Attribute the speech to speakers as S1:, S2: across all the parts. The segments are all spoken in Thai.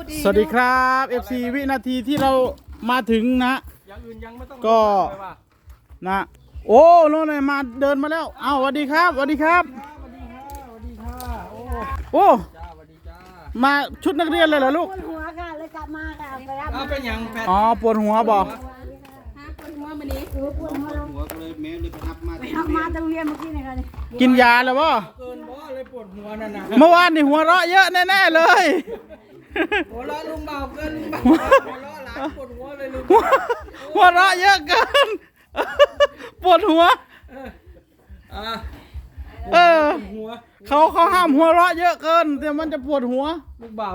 S1: สวัสดีครับ FC วินาทีที่เรามาถึงนะอย่างอื่นยังไม่ต้องก็นะโอ้โน่นเลยมาเดินมาแล้วเอ้าสวัสดีครับสวัสดีครับโอ้มาชุดนักเรียนเลยเหรอลูก
S2: ปวดหัวค่ะเลยกลับมาค่ะไปรับ
S1: เป็นอย่างอ๋อปวดหัวบอก
S2: ปวดหัวมันนี้ปวดหัวก็เลยแม่เลยไปรับมาตรงเรียนเมื่อกี้นะคะนี่
S1: กินยาแล้วบ่
S3: เกินบ่เลยปวดหัวนั่นนะ
S1: เมื่อวานนี่หัวเราะเยอะแน่ๆเลย
S3: หัวเราะลุงเบาเกินลุงเบาหัวเราะหลานปวดหัวเลยลุง
S1: หัวเราะเยอะเกินปวดหัวเขาห้ามหัวเราะเยอะเกินเดี๋ยวมันจะปวดหัว
S3: ลุงเบา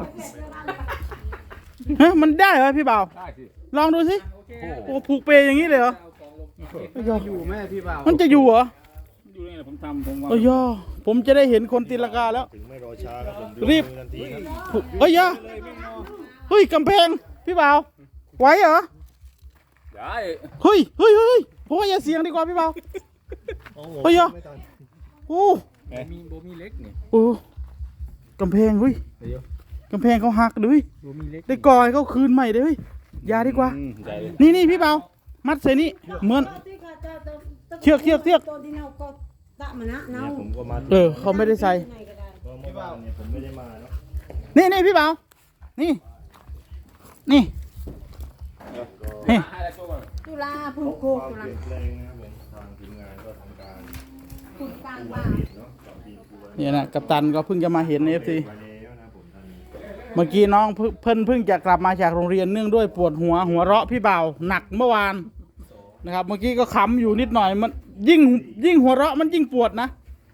S1: เฮ้ยมันได้เหรอพี่เบาได้สิลองดูสิโอ้ผูกเปยอย่างนี้เลยเหรอ
S3: อยู่แม่พี่เบา
S1: มันจะอยู่เหรอ
S3: อยู่นี่ผมทำผมว่า
S1: ผมจะได้เห็นคนตีลังกาแล้ว
S4: ถึงไม่รอช้าครับผม
S1: รีบเฮ้ยเฮ้ยกำแพงพี่เบาไหวเหรอ
S3: ได้
S1: เฮ้ยผมว่าอย่าเสียงดีกว่าพี่เบาเฮ้ยโอ้
S3: มีเล็กนี่
S1: โอ้กำแพงเฮ้ยกำแพงเขาหักด้วยได้ก่อยเขาคืนใหม่เลยอย่าดีกว่านี่พี่เบามัดเสนี่เหมือนเชือกเขาไม่ได้ใส่
S4: พี่บ่าวเนี่ยผมไม่ได้มาเนา
S1: ะนี่พี่เบานี่
S2: ตุลาพุ่งโคกตุลา
S4: แรงนะครับผมทางทีมงานก็ทำการ
S2: พุ่งกลางบ้าน
S1: เนี่ยนะกัปตันก็เพิ่งจะมาเห็นFCเมื่อกี้น้องเพิ่งจะกลับมาจากโรงเรียนเนื่องด้วยปวดหัวเราะพี่เบาหนักเมื่อวานนะครับเมื่อกี้ก็ขำอยู่นิดหน่อยมันยิ่งหัวเราะมันยิ่งปวดนะ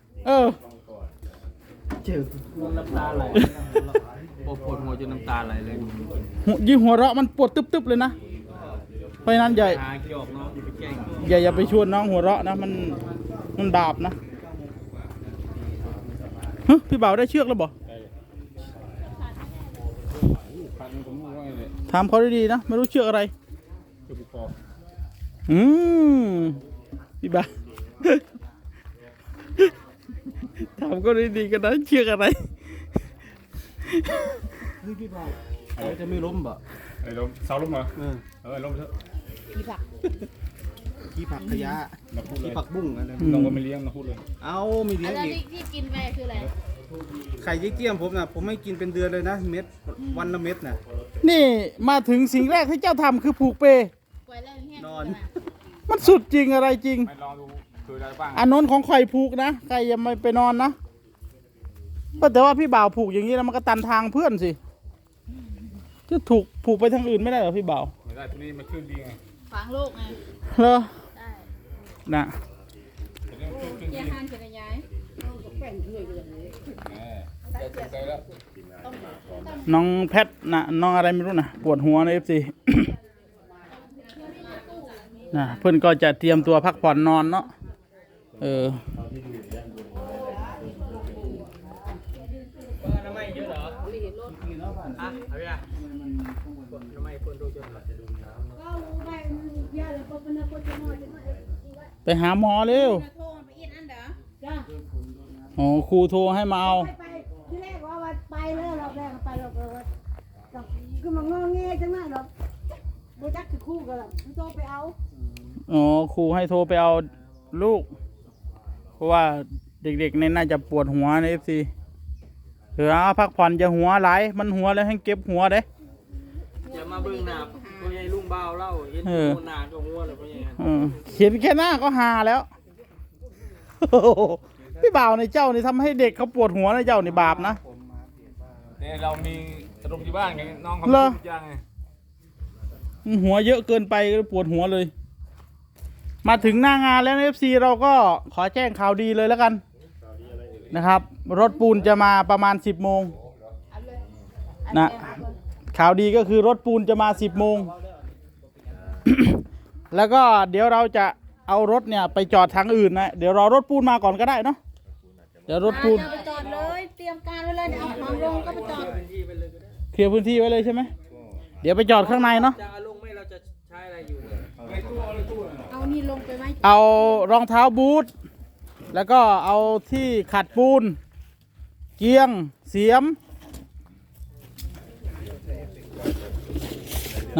S3: เจ็บน้ำตาไหลปวดหัวจนน้ำตาไหลเลย
S1: ยิ่งหัวเราะมันปวดตึ๊บเลยนะเพราะฉะนั้นอย่าไปชวนน้องหัวเราะนะมันบาปนะพี่เบาได้เชือกแล้วบ่ถามเขาดีๆนะไม่รู้เชือกอะไรพี่เบาถามก็ดีๆกันนะเชือกอะไร
S3: พี่เบาจะไม่ล้มบ่
S4: ล้มเสาล้มเหรอล้มเถอะ
S3: ขี้ผักขยะขี้ผักบุ้งอะไร
S4: น้องก็ไม่เลี้ยงนะพูดเลย
S3: เอาไม่เลี้ยงอีก
S2: ที่กินไปคืออะไร
S3: ไข่เจี๊ยมผมนะผมไม่กินเป็นเดือนเลยนะเม็ดวันละเม็ดนะ
S1: นี่มาถึงสิ่งแรกที่เจ้าทำคือผูกเป
S3: นอน
S1: มันสุดจริงอะไรจริง
S4: ไปลองดูคืออะไรบ้าง
S1: อันนนของข่อยผูกนะใครยังไม่ไปนอนนะแต่ว่าพี่บ่าวผูกอย่างนี้แล้วมันก็ตันทางเพื่อนสิจะถูกผูกไปทางอื่นไม่ได้หรอพี่บ่าว
S4: ไม่ได้ที่นี่มันขึ้นดีไง
S2: ฝังลูกไง
S1: เหรอ
S2: ได้
S1: น่ะ
S2: เกี่ยห้างเกี่ยย้าย
S1: น้องแพทนะน้องอะไรไม่รู้นะปวดหัวในFC นะเพื่อนก็จะเตรียมตัวพักผ่อนนอนเนาะไปหาหมอเร็วอ๋อครูโทรให้มาเอา
S2: ที่แรกว่าไปเลยรอบแรกไปรอบคือมันงอแงจังไหนหรอกโบจักคือคู่กันหรอกโทรไปเอา
S1: อ๋อครูให้โทรไปเอาลูกเพราะว่าเด็กๆเนี่ยน่าจะปวดหัวในFCพักผ่อนจะหัวไหลมันหัวแล้วให้เก็บหัวเด้
S3: อย่ามาเบิ่งหน้าพ่อใหญ่ลุงเบาเล่าเห็นหน้าก็หัวเลยพ่อใหญ่
S1: เห็นแค่หน้าก็หาแล้วพี่บ่าวในเจ้านี่ทำให้เด็กเขาปวดหัวในเจ้านี่บาปนะ
S4: เนี่ยเรามีตรงที่บ้านไงน้องเขาย่างไง
S1: หัวเยอะเกินไปปวดหัวเลยมาถึงหน้างานแล้ว FC เราก็ขอแจ้งข่าวดีเลยแล้วกันนะครับรถปูนจะมาประมาณ10 โมงนะข่าวดีก็คือรถปูนจะมา10 โมง แล้วก็เดี๋ยวเราจะเอารถเนี่ยไปจอดทางอื่นนะเดี๋ยวรอรถปูนมาก่อนก็ได้เนาะเดี๋ยวรถปูน
S2: ไปจอดเลยเตรียมการไว้เลยเอาของลงก็ไปจอด
S1: เคลียร์พื้นที่ไว้เลยใช่ไหมเดี๋ยวไปจอดข้างในเนาะ
S3: จะลงไม่เราจะใช้อะไรอยู่
S2: เอานี่ลงไปไหม
S1: เอารองเท้าบูทแล้วก็เอาที่ขัดปูนเกียงเสียมนะ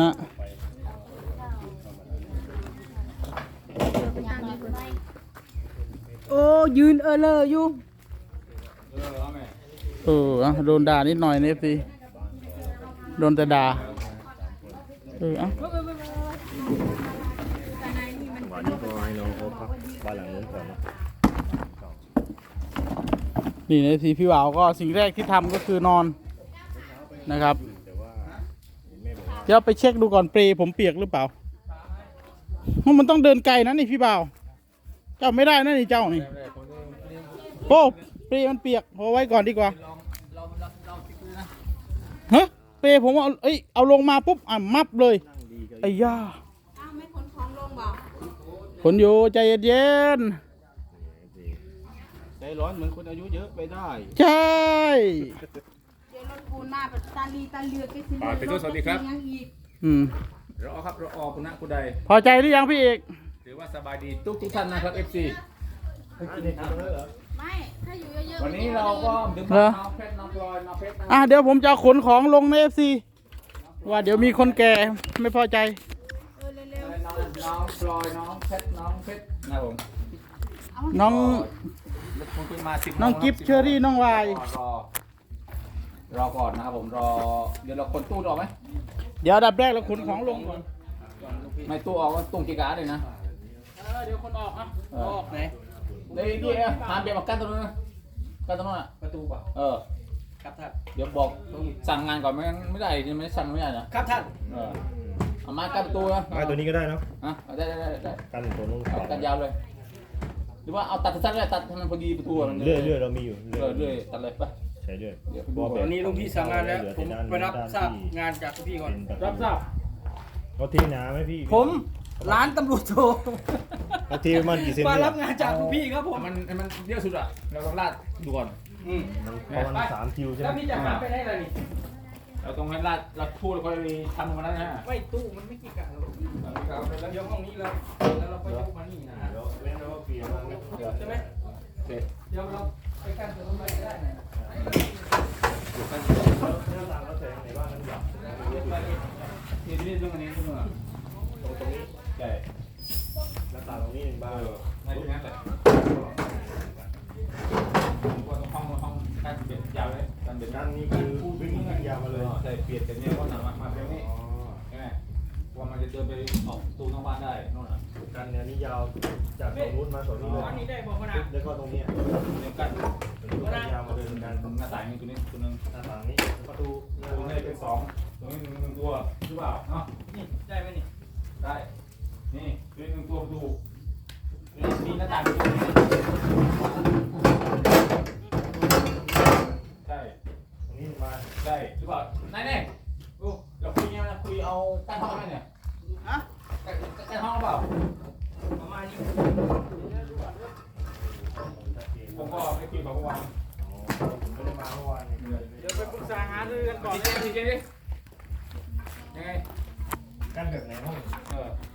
S2: โอ้ยืนเลยอยู่
S4: เอาไหม
S1: อ่ะโดนด่านิดหน่อยนะสิโดนแต่ด่าอ่ะ
S5: วันนี้ก็ให้น้องเขาพักบ้านหลังนู้นก่อนนะ
S1: นี่นะสิพี่บ่าวก็สิ่งแรกที่ทำก็คือนอนนะครับเดี๋ยวไปเช็คดูก่อนเปรย์ผมเปียกหรือเปล่าเพราะมันต้องเดินไกลนะนี่พี่บ่าวเจ้าไม่ได้นะนี่เจ้านี่โอ้เปรย์มันเปียกเอาไว้ก่อนดีกว่าฮะเปรย์ผมเอาลงมาปุ๊บมับเลยไอ้ย่า
S2: อ้าวไม่ขนของลงบ่
S1: ขนอยู่ใจเย็น
S5: ใจร้อนเหมือนคนอายุเยอะไปได้
S1: ๆใช่
S2: เดี๋ยวรถปูนมาแบบตาลีตาเลือกไปสิ ยังอีก
S4: เราออกครับเราออกคุณนะคุณใด
S1: พอใจหรือยังพี่เอก
S4: ถือว่าสบายดีทุกท่านนะครับ FC
S2: ไม่ถ้าอยู่เยอะๆ
S4: วันนี้เราก็ดื่มน้ำเพชรน้ำพลอยน้ำเพชรนะ
S1: เดี๋ยวผมจะขนของลงใน FC ว่าเดี๋ยวมีคนแก่ไม่พอใจ
S4: น้องพลอยน้องเพชรน้องเพชรนะผม
S1: น้อง
S4: คุณขึ้นมา10
S1: น้องกิฟต์เชอรี่น้องวาย
S4: รอก่อนนะครับผมรอเดี๋ยวเราคนตู้ออกไหม
S1: เดี๋ยวอันดับแรกเราขนของลงก่อน
S4: ไม่ตู้ออกก็ตุ้งกีการ์เลยนะ
S1: เดี๋ยวคนออกออกไหน
S4: นี่หาเบียร์มากั้นตรงนั้นนะกั้นตรงนั้นอ่ะ
S3: ประตูป่ะ ครับท่าน
S4: เดี๋ยวบอกสั่งงานก่อนไม่ได้ไม่ได้สั่งไม่ได้นะครับ
S3: ท่าน
S4: เอาไม้กั้นประตูนะ
S5: ไม้ตัวนี้ก็ได้เนาะ
S4: ได้
S5: กันตัวนู้น
S4: เอากันยาวเลย หรือว่าเอาตัดสั้นๆเลยตัดให้มันพอดีประตูมัน
S5: เรื่อยเรามีอยู่
S4: เรื่อยตัดเลยไป
S5: ใช้เรื่อย
S3: วันนี้ลุงพี่สั่งงานแล้วผมไปรับทราบงานจากพี่ก่อน
S1: รับทราบ
S5: เขาทีน้ำไหมพี่
S3: ผมร้านตำรวจโทร
S5: เขาทีมันกี่เซน
S3: มา
S5: เนี่ย
S3: รับงานจากพี่ครับผม
S4: มันเยอะสุดอ่ะเราต้องลาดดูก่อน
S5: มันประมาณ3 คิวใช่ไห
S3: แล้ว
S5: ม
S3: พี่จะหาไปได้อะไรนี่
S4: เราต้องให้ลาดพูดแล้วก็ทำมันนั้นนะ
S3: ไม่ตู้มันไม่กี่กะหรอกแล้วยกห้องนี้แล้วเราก็ยกมานี่นะ
S5: เว้นแล้วก็เปลี่ยน
S3: ใช่ไหม
S4: โอเค
S3: เดี๋ยวเราไปกันตัวนู้นไปได้นะ
S5: แล้วแต่ไหนบ้างมันหยับ
S4: นี่เรื่องอันนี้เรื่องอ่ะ
S5: ตรงนี้
S4: ใช่
S5: แล้วตาตรงนี้หนึ่งบ้าง
S4: ในตรงนั้นแหละว่าต้องห้องการเปลี่ยนยาวเลยการเปลี่ยน
S5: ด้านนี้คือวิ่งยาวมาเลย
S4: ใช่เปลี่ยนกันเนี่ยว่าหนังมาเร็วนี่ใช่ไหมว่ามันจะเดินไปออกตูนอกบ้านได้นู่นอ่ะ
S5: กันเนี่ยนี่ยาวจากตรงนู้นมาตรงนี้เลย
S3: วันนี้ได้บอกขนาด
S5: แล้วก็ตรงนี้
S4: เดียวกัน
S5: เป็นรูปยาวมาเลยกัน
S4: หน้าต่างนี่ตัวนี้ตัวนึง
S5: หน้าต่างนี้ประตู
S4: ตัวนี้เป็น2ตัวนี้1ตัวหรือเปล่าเนาะ
S3: นี่ได้ไหมนี่
S4: ได้นี่ตัวนี้1ตัวประตูนี่มีหน้าต่างอยู่ใช่
S5: ตรงนี้มา
S4: ใช่หรือเปล่าไหนเนี่ยเราคุยเนี่ยคุยเอากั้นห้องไหมเนี่ย
S1: ฮะ
S4: กั้นห้องหรือเปล่า
S3: ประมาณนี้
S4: ผมก็ไม่คุยกับเมื่อวาน
S5: ผมไม่ได้มาเมื่อวาน
S1: เดี๋ยวไปปรึกษาหารือกันก่อน
S4: ทีเจยังไง
S5: กันแบบไหนห้อง
S4: เออ